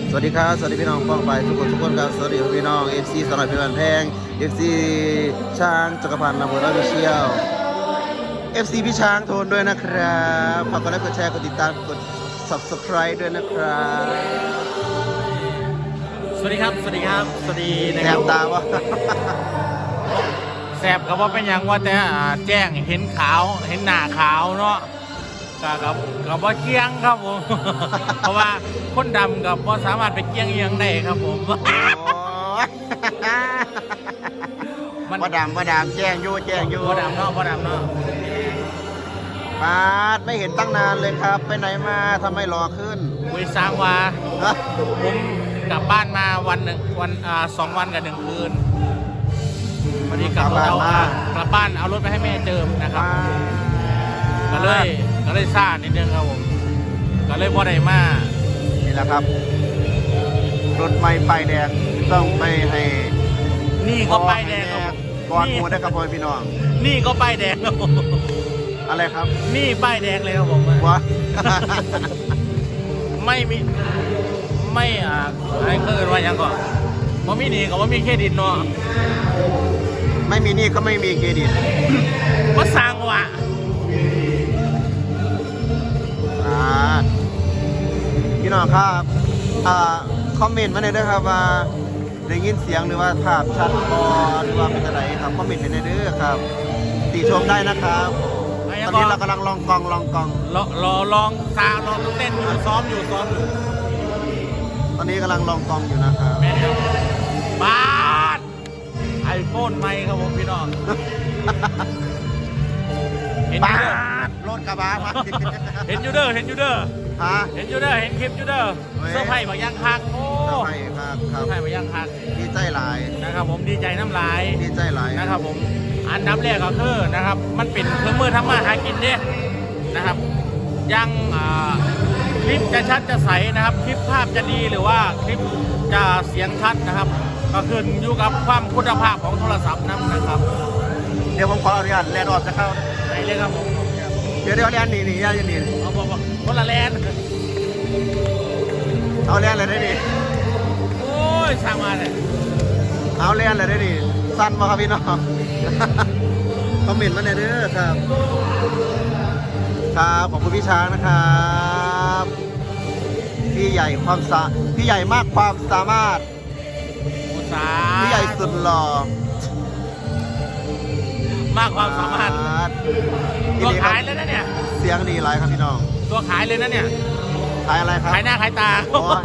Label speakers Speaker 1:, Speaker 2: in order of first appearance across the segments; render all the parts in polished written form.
Speaker 1: สวัสดีครับสวัสดีพี่น้องป้องไปทุกคนครับสวัสดีพี่น้อง FC สนอยพิบันแพง FC ช้างจักรพันธ์นำเบอร์วิเชียว FC พี่ช้างโทนด้วยนะครับฝากกดไลค์กดแชร์กดติดตามกด Subscribe ด้วยนะครับ
Speaker 2: สวัสดีครับ สวัสดีครับ สวัสดีนะ
Speaker 1: แน
Speaker 2: ครับ
Speaker 1: บตาวะ
Speaker 2: แสบกับว่าเป็นอย่างว่าแต่แจ้งเห็นขาวเห็นหน้าขาวเนาะกับว่าเกี้ยงครับผม เพราะว่าคนดำกับว่าสามารถไปเกี้ยงเอียงได้ครับผม
Speaker 1: โอ้ยว่าดำแจ้งอยู่
Speaker 2: บ่ดำเนาะ
Speaker 1: ปาดไม่เห็นตั้งนานเลยครับ ไปไหนมาทำไมรอขึ้น
Speaker 2: คุยสร้างว่า
Speaker 1: ฮะ
Speaker 2: ผมกลับบ้านมาวันหนึ่งวัน2 วันกับ1 คืนวันนี้กลับบ้านเอารถไปให้แม่เจิมนะครับ ก็เลยซ่านิดนึงครับผมก็เลยบ่ได้มา
Speaker 1: นี่แหละครับรถไม่ป้ายแดงต้องไปให้
Speaker 2: นี่ก็ป้ายแดงครับ
Speaker 1: ก่อนหมูได้กับพ่อพี่น้อง
Speaker 2: นี่ก็ป้ายแดงครับผม
Speaker 1: อะไรครับ
Speaker 2: นี่ป้ายแดงเลยครับผม
Speaker 1: วะ
Speaker 2: ไม่มีไม่อะไรเกินว่ายังก่อนว่ามีหนี่กับว่ามีเครดิตเนาะ
Speaker 1: ไม่มีหนี่ก็ไม่มีเครดิต
Speaker 2: ว่าสร้างว่ะ
Speaker 1: พี่น้องครับคอมเมนต์มาหน่อยด้วยครับว่าได้ยินเสียงหรือว่าภาพชัดพอหรือว่าเป็นอะไรครับคอมเมนต์มาหน่อยด้วยครับติชมได้นะครับตอนนี้เรากำลังลองกอง
Speaker 2: ลองซาวลองเต้นอยู่ซ้อมอยู่
Speaker 1: ตอนนี้กำลังลองกองอยู่นะครับ
Speaker 2: แม่ครับบ้านไอโฟนใหม่ครับผมพี่น้องเห็น
Speaker 1: บ้า
Speaker 2: ยูเดอร์
Speaker 1: รถกระบะมา
Speaker 2: เห็นยูเดอร์
Speaker 1: ฮะ
Speaker 2: เห็นยูเดอร์เห็นคลิปยูเดอร์เสื้อผ้าบางย่างคักโอ้
Speaker 1: ใช่ครับค
Speaker 2: เสื้
Speaker 1: รั
Speaker 2: อบ ผ้าบางย่างคัก
Speaker 1: ดีใจหลาย
Speaker 2: นะครับผมดีใจน้ำลาย
Speaker 1: ดีใจหลาย
Speaker 2: นะครับผมอันดับแรกก็คือนะครับมันเป็นเครื่องมือทำมาหากินเนี่ยนะครับยังคลิปจะชัดจะใสนะครับคลิปภาพจะดีหรือว่าคลิปจะเสียงชัดนะครับ ก็ขึ้นอยู่กับความคุณภาพของโทรศัพท์นะครับ
Speaker 1: เดี๋ยวผมขออนุญาตแลนด์ออกจะเข้า
Speaker 2: ไหนเลยครับผม
Speaker 1: เดี๋ยวแลนด์นี่
Speaker 2: เอาบอกคนละแลนด์
Speaker 1: เอาแลนด์เลยได้ดิ
Speaker 2: โอ้ยสร้างมาเลย
Speaker 1: เอาแลนด์เลยได้ดิสั้นมาครับพี่น้อง คอมเมนต์มาหน่อยเด้อครับครับขอบคุณพี่ช้างนะครับพี่ใหญ่มากความสามารถ
Speaker 2: อุตสา
Speaker 1: พี่ใหญ่สุดหล่อ
Speaker 2: มากความสามารถตัวขายเลยนะเนี่ย
Speaker 1: เสียงดีไรครับพี่น้อง
Speaker 2: ตัวขายเลยนะเนี่ย
Speaker 1: ขายอะไรครับ
Speaker 2: ขายหน้าขายตา
Speaker 1: โอ้ย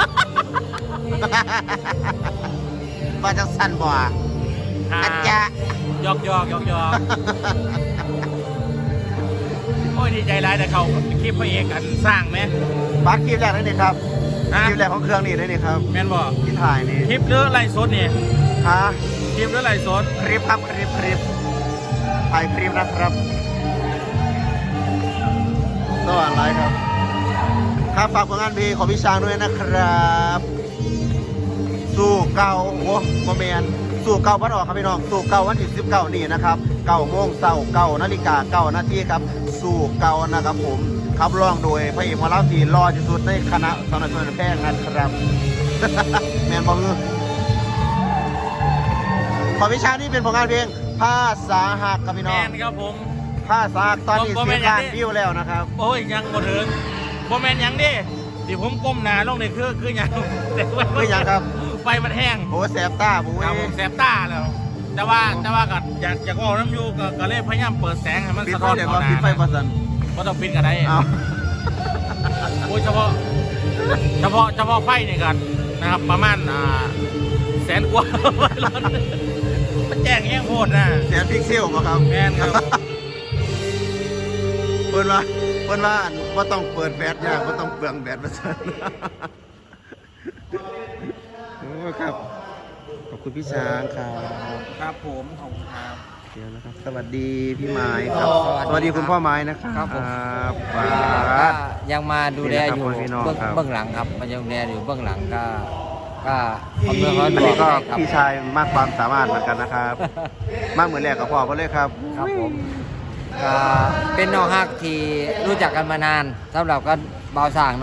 Speaker 1: ว่าจะสั้นบ่อาจจะ
Speaker 2: ยอกโอ้ยดีใจร้ายแต่เขาคลิปพระเอกกันสร้างไหม
Speaker 1: บัตรคลิปแรกนั่นนี่ครับ
Speaker 2: ฮะ
Speaker 1: คลิปแรกของเครื่องนี่ได้นี่ครับ
Speaker 2: แม่นบอก
Speaker 1: ที่ถ่ายนี่
Speaker 2: คลิปหรือไลฟ์สดนี่
Speaker 1: ฮะ
Speaker 2: คลิปหรือไลฟ์สด
Speaker 1: คลิปครับคลิปถ่ายคลิปนะครับตัวอะไรครับครับฝากผลงานเพลงของพี่ช้างด้วยนะครับ สู่เก่าโอ้โมเมนสู่เก่าวันออกครับพี่น้องสู่เก่าวันที่19นี่นะครับ9 โมงเช้า9 นาฬิกา9 นาทีครับสู่เก่านะครับผมครับร้องโดยพระเอกหมอลำที่รอที่สุดในคณะสาวน้อยเพชรแพงนะครับ แมนบอกของพี่ช้างนี่เป็นผลงานเพลงภาษาหักครับพี่น้
Speaker 2: แม
Speaker 1: อง
Speaker 2: นครับผม
Speaker 1: ภาษาหักตอนนี้
Speaker 2: บ่แม่
Speaker 1: 10 ล้าน
Speaker 2: นอย่างนี้
Speaker 1: วิวแล้วนะครับ
Speaker 2: โอ้ยยังบ่ถึงบ่แมนยังดิที่ผมก้มหน้าลงนี่คือยัง
Speaker 1: คือยังครับ
Speaker 2: ไฟมันแห้ง
Speaker 1: โอ้แสบตาบุ้ย
Speaker 2: ครับผมแสบตาแล้ว แต่ว่าก็อยากออกน้ำยูก็เลยพยายามเปิดแสงให้มัน
Speaker 1: ปิด
Speaker 2: สะ
Speaker 1: ไฟ
Speaker 2: ท้อน
Speaker 1: เดี๋ยว
Speaker 2: เข้า
Speaker 1: ก็
Speaker 2: หน้า
Speaker 1: ปิดไฟประสัน
Speaker 2: ก็ต้องปิดกันได้
Speaker 1: เอา
Speaker 2: โอ้ยเฉพาะไฟนี่กันนะครับประมาณแสนกว่า ร้อนมันแจ้งแย่งโหดนะ
Speaker 1: แสนพิกเซลมาครับ
Speaker 2: แมนครับ
Speaker 1: เปิดว่าต้องเปิดแบตยากว่าต้องเปลืองแบตประสัน โอ้ครับขอบคุณพี่ช้างครับ
Speaker 2: ครับผมขอบคุณครับ
Speaker 1: เดี๋ยวนะครับสวัสดีพี่ไม้ครับ
Speaker 3: สวัสดีครับ
Speaker 1: สวัสดีคุณพ่อไม้นะครับ
Speaker 3: ครับผม
Speaker 1: ครั
Speaker 3: ก็
Speaker 1: บ
Speaker 3: ยังมาดูแลอยู่
Speaker 1: พี่น้องครับ
Speaker 3: เบื้องหลังครับมันยังดูแลอยู่เบื้องหลังก็อำนวยค
Speaker 1: อั
Speaker 3: วาม
Speaker 1: น
Speaker 3: สะดว
Speaker 1: นี้
Speaker 3: ก
Speaker 1: ก็
Speaker 3: ให้ครับ
Speaker 1: พี่ชายมากความสามารถเหมือนกันนะครับ มากเหมือนแรกกับพ่อเขาเลยครับ
Speaker 3: ครับผมก็เป็นน้องฮักที่รู้จักกันมานานสำหรับกันเบาสร้างเนาะ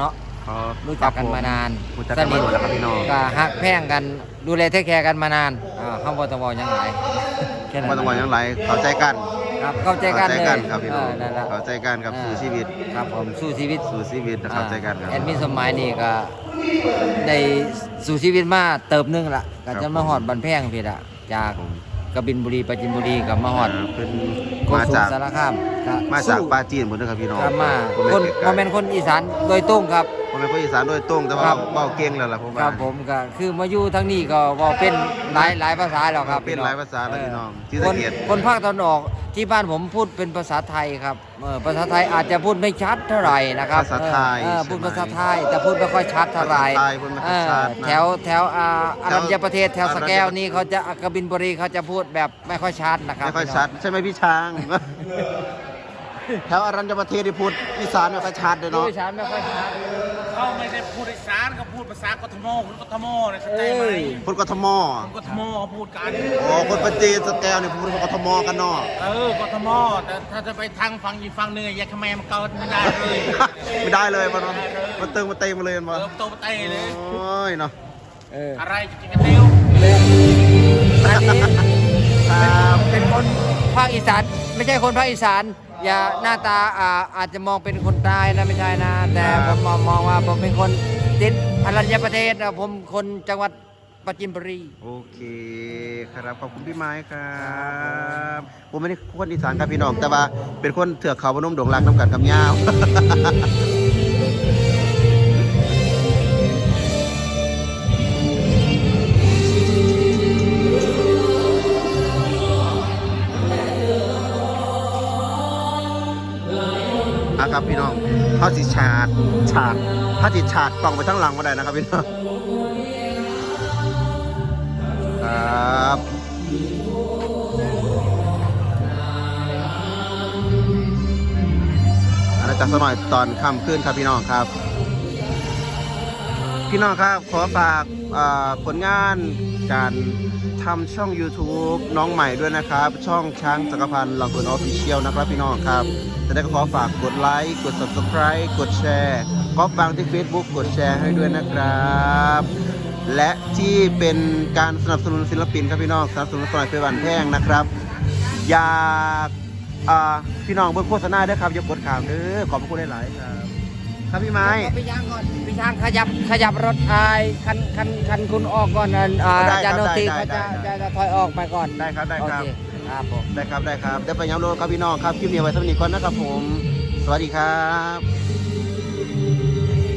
Speaker 1: อ๋อ
Speaker 3: รู้จักกันมานาน
Speaker 1: รู้จักกันมาหมดแล้วครับพี่น้อง
Speaker 3: ก็ฮักแพงกันดูแลเทคแคร์กันมานานข้าวบอตงยังไงแค่นั้น
Speaker 1: มาตะวันยังไรเข้าใจกัน
Speaker 3: ครับเข้าใจกันเลย
Speaker 1: ครับพี่น้อง
Speaker 3: นั่นแหละ
Speaker 1: เข้าใจกันครับสู่ชีวิต
Speaker 3: ครับผมสู้ชีวิต
Speaker 1: สู่ชีวิตเข้าใจกันครับ
Speaker 3: แอดมินสมัยนี่ก็ได้สู่ชีวิตมาเติบนึงละก็
Speaker 1: ครั
Speaker 3: จะ
Speaker 1: บ
Speaker 3: มาหอดบันแพงพี่ละจาก
Speaker 1: ผม
Speaker 3: กบินบุรีปราจินบุรีกับมาหอด
Speaker 1: เป็น
Speaker 3: โก
Speaker 1: มา
Speaker 3: สุ
Speaker 1: จาก
Speaker 3: สารคามก็
Speaker 1: มาจาก
Speaker 3: สู้
Speaker 1: ปาจีนหมดนะครับพี่น้อง
Speaker 3: ครับมา
Speaker 1: ผม
Speaker 3: คน
Speaker 1: ไกล
Speaker 3: โมเมนคนอีสานโดยตรงครับ
Speaker 1: ผมเป็นคนอีสานโดยตรงแต่ว่า
Speaker 3: ครับ
Speaker 1: เว้าเก่งแล้วล่ะผม
Speaker 3: ค
Speaker 1: ว่า
Speaker 3: รับผมก็คือมาอยู่ทั้งนี้ก็เว่าเป็นหลายภาษาแล้วครับ
Speaker 1: เป็นหลายภาษาแล้วพี่น้องที่
Speaker 3: ค
Speaker 1: สะ
Speaker 3: น
Speaker 1: เกียด
Speaker 3: คนภาคตะวันออกที่บ้านผมพูดเป็นภาษาไทยครับภาษาไทยอาจจะพูดไม่ชัดเท่าไหร่นะครับ
Speaker 1: ภาษาไทย
Speaker 3: พูด
Speaker 1: ใช่ไหม
Speaker 3: ภาษาไทยแต่พูดไม่ค่อยชัดเท่าไหร่
Speaker 1: ภาษาไทยพูดไม่ค่อยชัดนะ
Speaker 3: แถวอารัญญประเทศแถวสแก้วนี่เขาจะกบินบุรีเขาจะพูดแบบไม่ค่อยชัดนะครับ
Speaker 1: ไม่ค่อยชัดใช่ไหมพี่ช้าง แถวอรัญญประเทศที่พูดอีสานไม่ค่อยชัดเลย
Speaker 3: พูด
Speaker 1: เนาะ
Speaker 3: ไม่ชัดไม่ค่อยชัด
Speaker 2: เขาไม่ได้พูดอีสานเขาพูดภาษากทมคนกทมนะเข้าใจไหม
Speaker 1: พูดกทม
Speaker 2: คนกทมเขาพูดกัน
Speaker 1: โอ้คนปาจีนสแกลเนี่ยพูดกทมกันเนาะ
Speaker 2: กทมแต่ถ้าจะไปทางฝั่งอีกฝั่งหนึ่งอย่าขแมมันเกิดไม่ได้เลย
Speaker 1: ไม่ได้เลยมันตึงมาเต็มมาเลยมัน
Speaker 2: โตเตะเลย
Speaker 1: โอ้ยเนาะ
Speaker 2: อะไรจะกินกันเร็ว
Speaker 3: อันนี้
Speaker 1: ครับ
Speaker 3: เป็นคนภาคอีสานไม่ใช่คนภาคอีสานอย่าหน้าตาอาจจะมองเป็นคนใต้นะไม่ใช่นะ แต่ผมมองว่าผมเป็นคนติดอรัญญประเทศนะผมคนจังหวัดปราจีนบุรี
Speaker 1: โอเคครับขอบคุณพี่ไม้ครับผมไม่ได้คนอีสานครับพี่น้องแต่ว่าเป็นคนเถือกเขาพนมดงรักน้ำกันกับย่าว ครับพี่น้องเขาสิฉาดถ้าสิฉาดกล่องไปทั้งหลังมาได้นะครับพี่น้องครับอาณาจักรสมัยตอนค่ำขึ้นครับพี่น้องครับพี่น้องครับขอฝากผลงานการทำช่อง YouTube น้องใหม่ด้วยนะครับช่องช้างจักรพันธ์ลำพูนออฟฟิเชียลนะครับพี่น้องครับจะได้ก็ขอฝากกดไลค์กด Subscribe กดแชร์ก็ฟังที่ Facebook กดแชร์ให้ด้วยนะครับและที่เป็นการสนับสนุนศิลปินครับพี่น้องสนับสนุนสมัยเพชรบันแพงนะครับอยากพี่น้องเบิ่งโฆษณาด้วยครับอย่ากดข่าวเด้อขอบพระคุณหลายๆครับครับพี่ไม้
Speaker 3: พี่ช้างก่อนพี่ช้างขยับรถคันคุณออกก่อนจานโนตีเขาจะถอยออกไปก่อน
Speaker 1: ได้ครับได้ครับ
Speaker 3: โอเคครับผม
Speaker 1: ได้ครับได้ไปย้ำโลดครับพี่น้องครับคลิปนี้ไว้สำหรับนี้ก่อนนะครับผมสวัสดีครับ